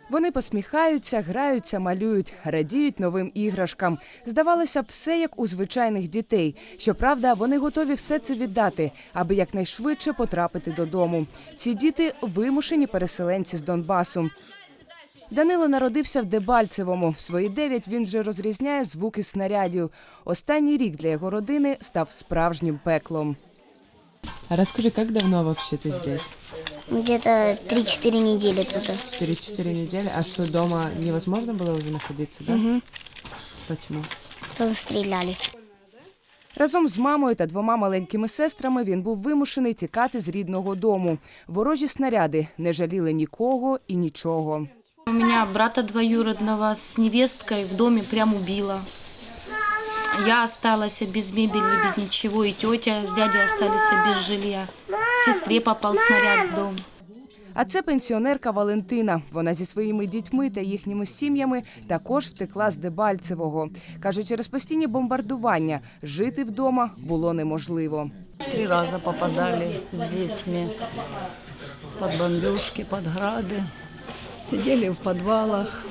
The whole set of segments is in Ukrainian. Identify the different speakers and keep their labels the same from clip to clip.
Speaker 1: Вони посміхаються, граються, малюють, радіють новим іграшкам. Здавалося б, все як у звичайних дітей. Щоправда, вони готові все це віддати, аби якнайшвидше потрапити додому. Ці діти – вимушені переселенці з Донбасу. Данило народився в Дебальцевому. В свої 9 він вже розрізняє звуки снарядів. Останній рік для його родини став справжнім пеклом.
Speaker 2: А расскажи, как давно вообще ты здесь?
Speaker 3: Где-то 3-4 недели тут.
Speaker 2: 3-4 недели. А что, дома невозможно было уже находиться, да?
Speaker 3: Угу.
Speaker 2: Почему?
Speaker 3: Там стреляли.
Speaker 1: Разом з мамою та 2 маленькими сестрами він був вимушений тікати з рідного дому. Ворожі снаряди не жаліли нікого і нічого.
Speaker 4: У меня брата двоюродного с невесткой в доме прям убило. Я осталась без мебели, без ничего, и тетя с дядей остались без жилья. Сестре попал снаряд в дом.
Speaker 1: А це пенсіонерка Валентина. Вона зі своїми дітьми та їхніми сім'ями також втекла з Дебальцевого. Каже, через постійні бомбардування жити вдома було неможливо.
Speaker 5: 3 раза попадали с детьми под бомбежки, под грады. Сидели в подвалах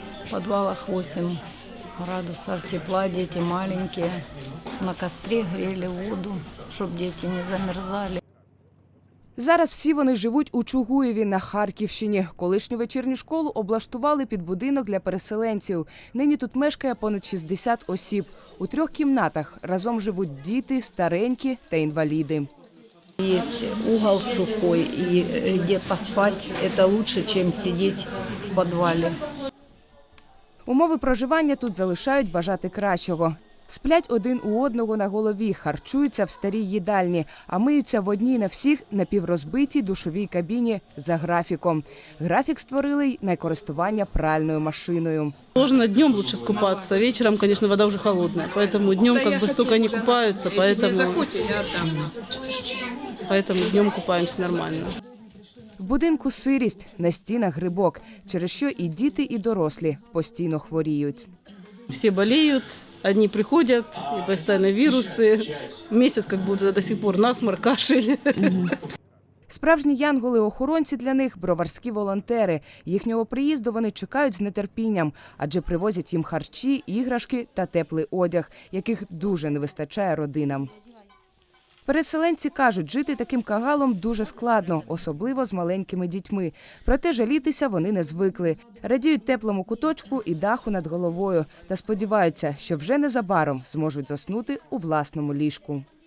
Speaker 5: 8 градусов тепла, дети маленькие. На костре грели воду, чтобы дети не замерзали.
Speaker 1: Зараз всі вони живуть у Чугуєві на Харківщині. Колишню вечірню школу облаштували під будинок для переселенців. Нині тут мешкає понад 60 осіб. У 3 кімнатах разом живуть діти, старенькі та інваліди.
Speaker 5: Есть угол сухой, и где поспать, это лучше, чем сидеть в подвале.
Speaker 1: Умови проживання тут залишають бажати кращого. Сплять один у одного на голові, харчуються в старій їдальні, а миються в одній на всіх напіврозбитій душовій кабіні за графіком. Графік створили й на користування пральною машиною.
Speaker 6: Сложно днем лучше скупаться, вечером, конечно, вода уже холодная, поэтому днем как бы столько не купаются, поэтому днем купаемся нормально.
Speaker 1: В будинку сирість, на стінах грибок, через що і діти, і дорослі постійно хворіють.
Speaker 6: Все болеют, одни приходят, и постоянно вирусы, месяц как будто до сих пор насморк, кашель.
Speaker 1: Справжні янголи-охоронці для них – броварські волонтери. Їхнього приїзду вони чекають з нетерпінням, адже привозять їм харчі, іграшки та теплий одяг, яких дуже не вистачає родинам. Переселенці кажуть, жити таким кагалом дуже складно, особливо з маленькими дітьми. Проте жалітися вони не звикли. Радіють теплому куточку і даху над головою та сподіваються, що вже незабаром зможуть заснути у власному ліжку.